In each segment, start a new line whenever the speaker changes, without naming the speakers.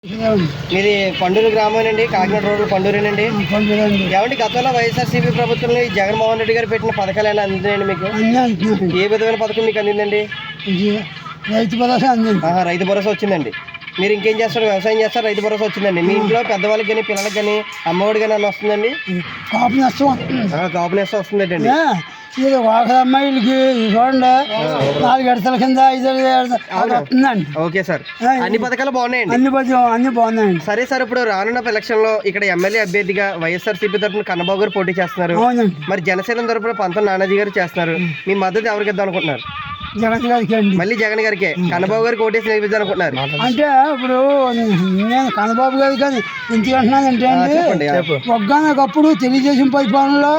మీది పండూరు గ్రామం అండి, కాకినాడ రోడ్డు పండూరేనండి. ఏమండి గతంలో వైఎస్ఆర్సీపీ ప్రభుత్వంలో జగన్మోహన్ రెడ్డి గారు పెట్టిన పథకాలు ఏమైనా అందినాయండి మీకు? ఏ విధమైన పథకం మీకు అందిందండి?
రైతు భరోసా అందింది.
రైతు భరోసా వచ్చిందండి. మీరు ఇంకేం చేస్తారు? వ్యవసాయం చేస్తారు, రైతు భరోసా వచ్చిందండి. మీ ఇంట్లో పెద్దవాళ్ళకి కానీ పిల్లలకి కానీ అమ్మఒడి కానీ అన్న వస్తుందండి?
కాపు నష్టం వస్తుంది.
కాపు నష్టం వస్తుందండి.
ఇది ఒక అమ్మాయిలకి చూడండి 4 గడతల కింద 5 వస్తుందండి.
ఓకే సార్, అన్ని పథకాలు బాగున్నాయండి.
అన్ని బాగున్నాయండి.
సరే సార్, ఇప్పుడు రానున్న ఎలక్షన్ లో ఇక్కడ ఎమ్మెల్యే అభ్యర్థిగా వైఎస్ఆర్సీపీ తరఫున కన్నబాబు గారు పోటీ చేస్తున్నారు. మరి జనసేన తరఫున పంతం నానాజీ గారు చేస్తున్నారు. మీ మద్దతు ఎవరికి ఇద్దాం అనుకుంటున్నారు?
జగన్ గారికి అండి.
మళ్ళీ జగన్ గారికి కన్నబాబు గారికి ఓటేసి నేర్పిద్దాం అనుకుంటున్నారు.
అంటే ఇప్పుడు నేను కన్నబాబు గారికి కానీ ఎందుకు అంటున్నానంటే అండి, ఒక్కనొకప్పుడు తెలుగుదేశం పరిపాలనలో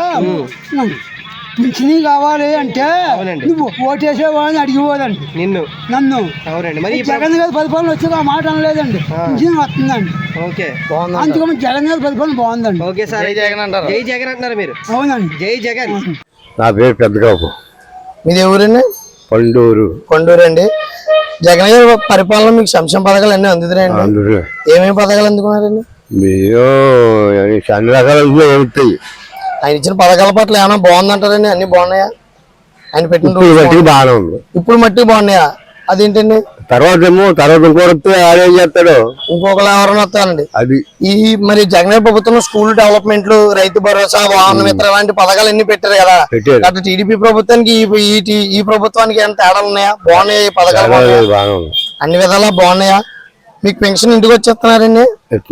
పింఛనీ కావాలి అంటే నువ్వు ఓటేసేవాడిని అడిగిపోదండి నన్ను.
అవునండి. మరి
జగన్ గారి పరిపాలన వచ్చేది ఆ మాట అనలేదండి, పింఛనీ వస్తుందండి.
ఓకే,
అందుకని జగన్ గారి పరిపాలన బాగుందండి.
ఓకే సార్, జై జగన్ అంటారు. జై జగన్ అంటున్నారు మీరు?
అవునండి,
జై జగన్.
నా పేరు పెద్దగాపు.
మీది ఎవరండి?
పండూరు.
కొండూరు అండి. జగన్ గారి పరిపాలన మీకు సంక్షేమ పథకాలు అన్నీ అందుతున్నాయండి. ఏమేమి పథకాలు అందుకున్నారండి?
మీరు అన్ని రకాల ఉంటాయి.
ఆయన ఇచ్చిన పథకాల పట్ల ఏమైనా బాగుందంటారండి? అన్ని బాగున్నాయా? ఆయన పెట్టిన
బాగానే ఉంది.
ఇప్పుడు మట్టి బాగున్నాయా? అదేంటండి?
తర్వాత ఇంకొకటి ఆడేం చేస్తాడు,
ఇంకొకరు ఎవరైనా వస్తారండి.
అది
ఈ మరి జగన్ ప్రభుత్వం స్కూల్ డెవలప్మెంట్లు, రైతు భరోసా, వాహన మిత్ర లాంటి పథకాలు అన్ని పెట్టారు కదా. అటు టీడీపీ ప్రభుత్వానికి ఈ ప్రభుత్వానికి ఏమైనా తేడాలు ఉన్నాయా? బాగున్నాయా ఈ పథకాలు? అన్ని విధాలా బాగున్నాయా? మీకు పెన్షన్ ఇంటికి వచ్చేస్తున్నారండి?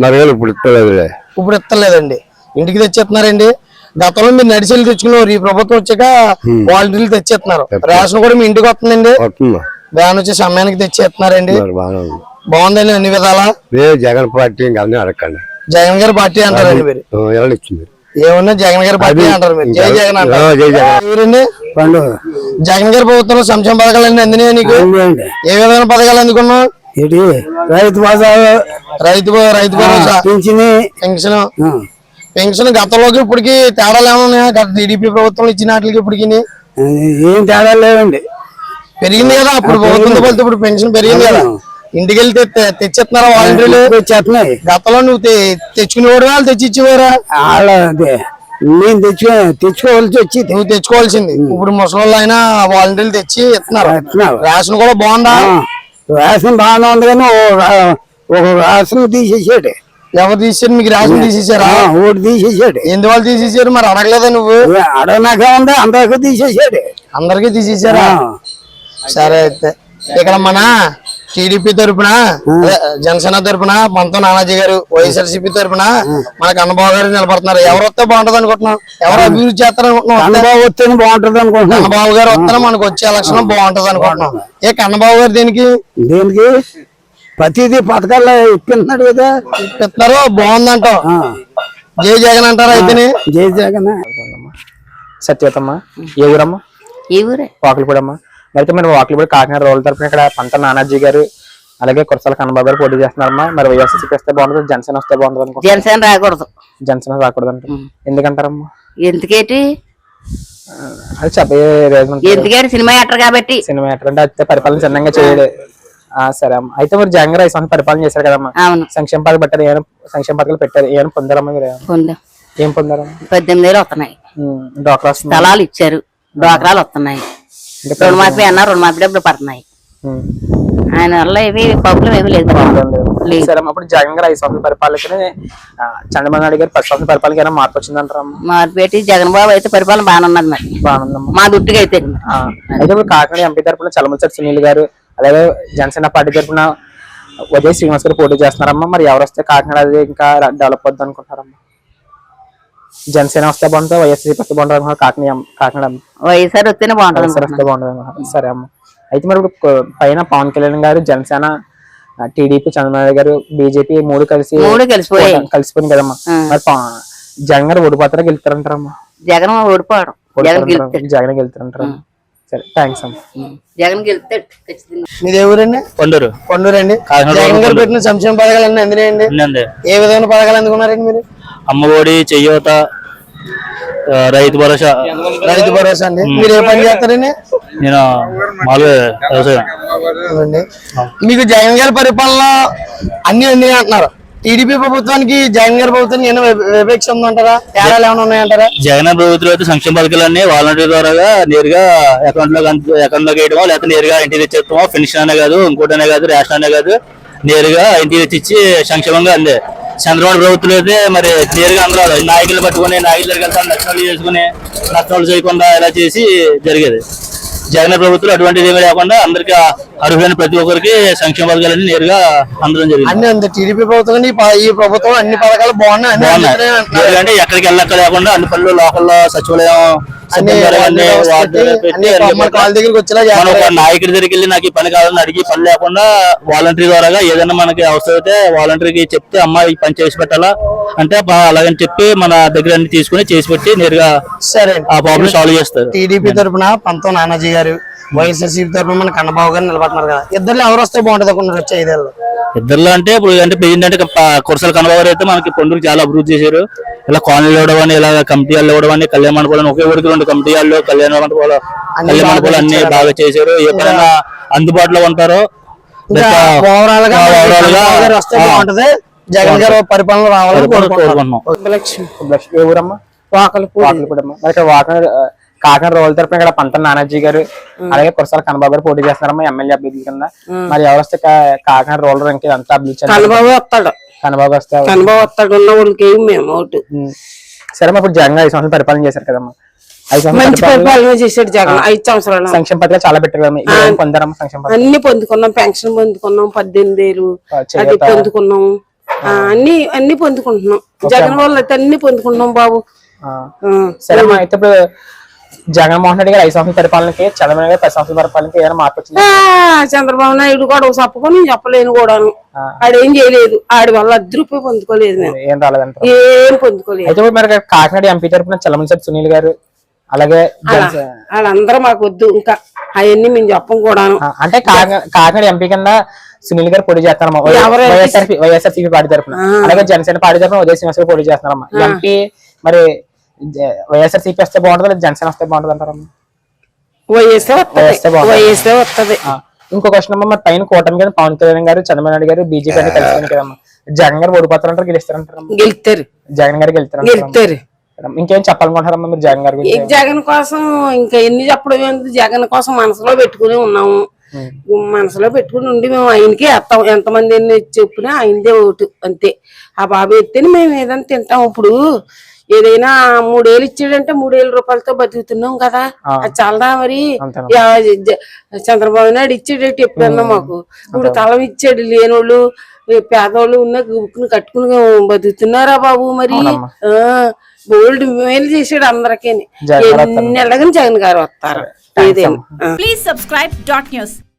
ఇప్పుడు ఇస్తలేదండి, ఇంటికి తెచ్చేస్తున్నారండి. గతంలో మీరు నడిచెళ్ళి తెచ్చుకున్నారు, ఈ ప్రభుత్వం వచ్చాక వాలంటీర్లు తెచ్చేస్తున్నారు. రేషన్ కూడా మీ ఇంటికి వస్తుందండి, వ్యాన్ వచ్చి సమయానికి తెచ్చేస్తున్నారండి. బాగుందండి అన్ని విధాలా.
జగన్ పార్టీ అడగండి.
జగన్ గారి పార్టీ అంటారండి మీరు? ఏమన్నా జగన్ గారి పార్టీ అంటారు మీరు? జై జగన్ అంటారు. ఎవరండి? జగన్ గారి ప్రభుత్వంలో సంక్షేమ పథకాలు అన్ని అందినాయా నీకు? ఏ విధమైన పథకాలు అందుకున్నావు?
రైతు
భరోసా, పెన్షన్. పెన్షన్ గతంలోకి ఇప్పటికి తేడాలు ఏమన్నా? గత టీడీపీ ప్రభుత్వం ఇచ్చిన వాటికి ఇప్పటికి
ఏం తేడా లేవండి.
పెరిగింది కదా అప్పుడు ప్రభుత్వం ఫలితం, ఇప్పుడు పెన్షన్ పెరిగింది కదా. ఇంటికి వెళ్ళి తెచ్చేస్తున్నారా వాలంటీర్లు? గతంలో నువ్వు తెచ్చుకునేవాడు, వాళ్ళు తెచ్చి ఇచ్చేవారా?
నేను తెచ్చుకోవాల్సి వచ్చి
నువ్వు తెచ్చుకోవాల్సింది. ఇప్పుడు ముసలి అయినా వాలంటీర్లు తెచ్చి ఇస్తున్నారు. రేషన్ కూడా బాగుందా?
రేషన్ బాగానే ఉంది, కానీ ఒక రేషన్ తీసేసాడు.
ఎవరు తీసారు మీకు? రేషన్ తీసేసారా?
ఓటు తీసేసాడు.
ఎందువల్ల తీసేసారు మరి? అడగలేదా నువ్వు?
అడగనాక ఉంది, అందరికీ తీసేసాడు.
అందరికీ తీసేసారా? సరే, అయితే ఇక్కడ మన టీడీపీ తరఫున, జనసేన తరఫున పంతం నానాజీ గారు, వైఎస్ఆర్సీపీ తరఫున మన కన్నబాబు గారు నిలబడుతున్నారు. ఎవరు వస్తే బాగుంటది అనుకుంటున్నాం? ఎవరు అభివృద్ధి చేస్తారనుకుంటున్నాం?
కన్నబాబు వస్తేనే బాగుంటది అనుకుంటున్నాం.
కన్నబాబు గారు వస్తేనే మనకు వచ్చే ఎలక్షన్ బాగుంటది అనుకుంటున్నాం. ఏ కన్నబాబు గారు దేనికి
ప్రతిదీ పథకాల్లో ఇప్పిస్తున్నాడు కదా,
ఇప్పిస్తున్నారు, బాగుందంటాం. జై జగన్ అంటారా? అయితేనే
జై జగన్.
సత్యవతమ్మ. ఏ ఊరమ్మా?
ఈ ఊరే,
వాకిలిపూడమ్మా. అయితే మరి వాకిలిపూడి కాకినాడ రోడ్ల తరఫున ఇక్కడ పంత నానాజీ గారు అలాగే కురసాల కన్నబాబు గారు పోటీ చేస్తున్నారమ్మా. మరి వైఎస్ఆర్సీపీ వస్తే బాగుంటుంది, జనసేన వస్తే బాగుంటుంది అనుకో?
జనసేన రాకూడదు.
జనసేన రాకూడదు అంటే ఎందుకంటారమ్మా?
ఎందుకేటి?
అది చెప్పే
ఎందుకేటి? సినిమా యాక్టర్ కాబట్టి.
సినిమా యాక్టర్ అంటే అయితే పరిపాలన చిన్నంగా చేయడు. సరే అమ్మా. అయితే మరి జగన్ గారు 5 సంవత్సరాలు పరిపాలన చేశారు కదమ్మా.
అవును.
సంక్షేమ పథకాలు పెట్టారు, ఏమైనా సంక్షేమ పథకాలు పెట్టారు, ఏమైనా పొందారమ్మా మీరు? ఏం పొందారమ్మా?
18,000 వస్తున్నాయి.
డ్వాక్రా
స్థలాలు ఇచ్చారు, డ్వాక్రాలు వస్తున్నాయి. రుణమాఫీ అన్న రుణమాఫీ డబ్బులు పడుతున్నాయి. ఆయన వల్ల ఏమి ప్రాబ్లం ఏమి లేదు.
సరే అప్పుడు జగన్ గారు 5 సంవత్సరాల పరిపాలనకి చంద్రబాబు నాయుడు గారు 10 సంవత్సరాల పరిపాలన మార్పు వచ్చిందంటారమ్మా?
మార్పు పెట్టి జగన్ బాబు అయితే పరిపాలన బాగానే ఉన్నది. మరి
బాగుందమ్మా
మా దుట్టుగా అయితే.
అయితే ఇప్పుడు కాకినాడ ఎంపీ తరఫున చలమలశెట్టి సునీల్ గారు అలాగే జనసేన పార్టీ తరఫున ఉదయ్ శ్రీనివాస్ గారు పోటీ చేస్తున్నారమ్మా. మరి ఎవరు వస్తే కాకినాడ అది ఇంకా డెవలప్ అవుద్ది అనుకుంటారమ్మా? జనసేన వస్తే బాగుంటుంది, వైఎస్ఆర్ వస్తే బాగుంటుంది? కాకినాడ
వైఎస్ఆర్ వస్తేనే బాగుంటుంది.
వస్తే బాగుంటుంది. సరే అమ్మ. అయితే మరి ఇప్పుడు పైన పవన్ కళ్యాణ్ గారు, జనసేన, టీడీపీ, చంద్రబాబు గారు, బీజేపీ మూడు కలిసిపోయింది కదమ్మా. మరి జగన్ గారు ఓడిపోతారా గెలుస్తారంటారమ్మా?
జగన్ ఓడిపోవడం,
జగన్ గెలుస్తారంటారా? సరే, థ్యాంక్స్ అమ్మా.
జగన్ గెలుస్తాడు ఖచ్చితంగా.
మీది ఎవరండి?
పండూరు.
పండూరు అండి. జగన్ గారు పెట్టిన సంక్షేమ పథకాలు అన్ని అందినాయండి? ఏ విధమైన పథకాలు అందుకున్నారండి మీరు?
అమ్మఒడి, చెయ్యోత, రైతు భరోసా.
రైతు భరోసా అండి. మీరు ఏ పని చేస్తారండి?
నేను మామూలుగా వ్యవసాయం.
అవునండి. మీకు జగన్ గారి పరిపాలన అన్ని అంటున్నారు. టీడీపీ ప్రభుత్వానికి జగన్ గారి ప్రభుత్వానికి ఏమైనా వివక్ష ఉందంటారా? తేడాలు ఏమైనా ఉన్నాయంటారా?
జగన్ ప్రభుత్వం అయితే సంక్షేమ పథకాలన్నీ వాలంటీర్ ద్వారా నేరుగా అకౌంట్ లోకి వేయడమో, లేకపోతే నేరుగా ఇంటికి తెచ్చేస్తామో, పెన్షన్ అనే కాదు, ఇంకోటనే కాదు, రేషన్ అనే కాదు, నేరుగా ఇంటికి తెచ్చి సంక్షేమంగా అందే. చంద్రబాబు ప్రభుత్వం అయితే మరి నేరుగా అందరూ నాయకులు పట్టుకుని నాయకుల దగ్గరికి వెళ్తాను, నష్టాలు చేసుకుని నష్టాలు చేయకుండా ఇలా చేసి జరిగేది. జగన్ ప్రభుత్వం అటువంటిది ఏమీ లేకుండా అందరికి అర్హులైన ప్రతి ఒక్కరికి సంక్షేమ పథకాలన్నీ నేరుగా అందడం జరిగింది.
అన్ని అంతే. టీడీపీ ప్రభుత్వం ఈ ప్రభుత్వం అన్ని పథకాలు బాగున్నాయి.
ఎందుకంటే ఎక్కడికి వెళ్ళక్క లేకుండా అన్ని పనులు లోకల్లో సచివాలయం నాయకుడి దగ్గరికి వెళ్ళి నాకు ఈ పని కావాలని అడిగి పని లేకుండా వాలంటరీ ద్వారా ఏదైనా మనకి అవసరం అయితే వాలంటరీకి చెప్తే అమ్మ ఈ పని చేసి పెట్టాలా అంటే అలాగని చెప్పి మన దగ్గర అన్ని తీసుకుని చేసి పెట్టి నేరుగా
సరే
ఆ ప్రాబ్లం సాల్వ్ చేస్తారు.
టీడీపీ తరఫున పంతం నానాజీ గారు, వైఎస్ఆర్సీపీ తరఫున మన కన్నబాబు గారు నిలబడుతున్నారు కదా. ఇద్దరు ఎవరు వస్తే బాగుంటుంది అనుకుంటున్నారు వచ్చే 5 ఏళ్ళు?
ఇద్దరులో అంటే ఇప్పుడు అంటే ప్రెసిడెంట్ అంటే కురసాల కన్నబాబు అయితే మనకి పొందూరు చాలా అభివృద్ధి చేశారు. ఇలా కాలనీలు ఇవ్వడం అని, ఇలా కమిటీ వాళ్ళు ఇవ్వడం అని, కళ్యాణ మండపాలు ఒకే ఊరికి 2 కమిటీ వాళ్ళు కళ్యాణ మండపాలు అన్ని బాగా చేశారు. ఎప్పుడైనా అందుబాటులో ఉంటారో
ఓవరాల్ గా వస్తే బాగుంటది. జగన్ గారు పరిపాలన రావాలని కోరుకుంటున్నాం.
ఏ ఊరమ్మా? వాకలపూడమ్మా. మరి ఇక్కడ కాకినాడ రోజుల తరపున ఇక్కడ పంతం నానాజీ గారు అలాగే కురసాల కన్నబాబు గారు పోటీ చేస్తున్నారమ్మా ఎమ్మెల్యే అభ్యర్థి కింద. మరి ఎవరు వస్తే కాకినాడ రోల్ రంకి అంతా అభివృద్ధి
కన్నబాబు వస్తాడు.
కన్నబాబు
వస్తాడు. ఉన్న వాళ్ళకి మేము ఓటు.
సరే ఇప్పుడు జగన్ 5 సంవత్సరాలు పరిపాలన చేశారు కదమ్మా. 5
మంచి పరిపాలన చేశాడు జగన్. 5 సంవత్సరాలు
సంక్షేమ పథకాలు చాలా పెట్టారు కదమ్మా. పొందారమ్మా సంక్షేమ పథకాలు?
అన్ని పొందుకున్నాం. పెన్షన్ పొందుకున్నాం, 18,000 అది పొందుకున్నాం. అన్ని పొందుకుంటున్నాం. జగన్ వాళ్ళు అయితే అన్ని పొందుకుంటున్నాం బాబు.
సరే అమ్మా, అయితే ఇప్పుడు జగన్మోహన్ రెడ్డి గారు 5 సంవత్సరాల పరిపాలనకి, చంద్రబాబు గారు 10 సంవత్సరాల పరిపాలనకి ఏమైనా మార్పు వచ్చింది?
చంద్రబాబు నాయుడు కూడా చెప్పకొని చెప్పలేను కూడాను. ఆడేం చేయలేదు. ఆడి వల్ల 10 రూపాయలు పొందుకోలేదు.
ఏం రాలేదంట?
ఏం పొందుకోలేదు.
అయితే మరి కాకినాడ ఎంపీ తరపున చలమలశెట్టి సునీల్ గారు అలాగే
వాళ్ళందరూ మాకు వద్దు. ఇంకా అవన్నీ మేము చెప్పం కూడాను.
అంటే కాకినాడ ఎంపీ కింద సునీల్ గారు పోటీ చేస్తారమ్మా వైఎస్ఆర్సీపీ పార్టీ తరపున. అలాగే జనసేన పార్టీ తరపున ఉదయ్ శ్రీనివాస్ గారు పోటీ చేస్తున్నారమ్మా. ఎంపీ మరి వైఎస్ఆర్సీపీ వస్తే బాగుంటుంది లేదా జనసేన వస్తే బాగుంటుంది అంటారమ్మా?
వైఎస్ఆర్ వస్తుంది.
ఇంకో క్వశ్చన్ అమ్మా, మరి పైన కూటమి గారు పవన్ కళ్యాణ్ గారు, చంద్రబాబు నాయుడు గారు బీజేపీ అని కలిసి కదమ్మా. జగన్ గారు ఓడిపోతారంటారు, గెలుస్తారంటారమ్మా?
గెలుస్తారు.
జగన్ గారు గెలుస్తారు. ఇంకేం చెప్పాలనుకుంటారమ్మా మీరు జగన్ గారి గురించి?
జగన్ కోసం ఇంకా ఎన్ని చెప్పడం ఏంటి? జగన్ కోసం మనసులో పెట్టుకుని ఉన్నాము. మనసులో పెట్టుకుని ఉండి మేము ఆయనకే వేస్తాం. ఎంతమంది ఎన్ని చెప్పినా ఆయనదే ఓటు అంతే. ఆ బాబు ఎత్తేనే మేము ఏదైనా తింటాం. ఇప్పుడు ఏదైనా 3 ఏళ్ళు ఇచ్చాడంటే 3,000 రూపాయలతో బతుకుతున్నాం కదా. అది చాలదా మరి? చంద్రబాబు నాయుడు ఇచ్చేటట్టు ఎప్పుడన్నా మాకు. ఇప్పుడు తలం ఇచ్చాడు. లేనోళ్ళు పేదోళ్ళు ఉన్న గుక్కుని కట్టుకుని బతుకుతున్నారా బాబు? మరి బోల్డ్ మేలు చేసాడు అందరికీ. ఎన్ని నెలగా జగన్ గారు వస్తారు.
Please subscribe .news.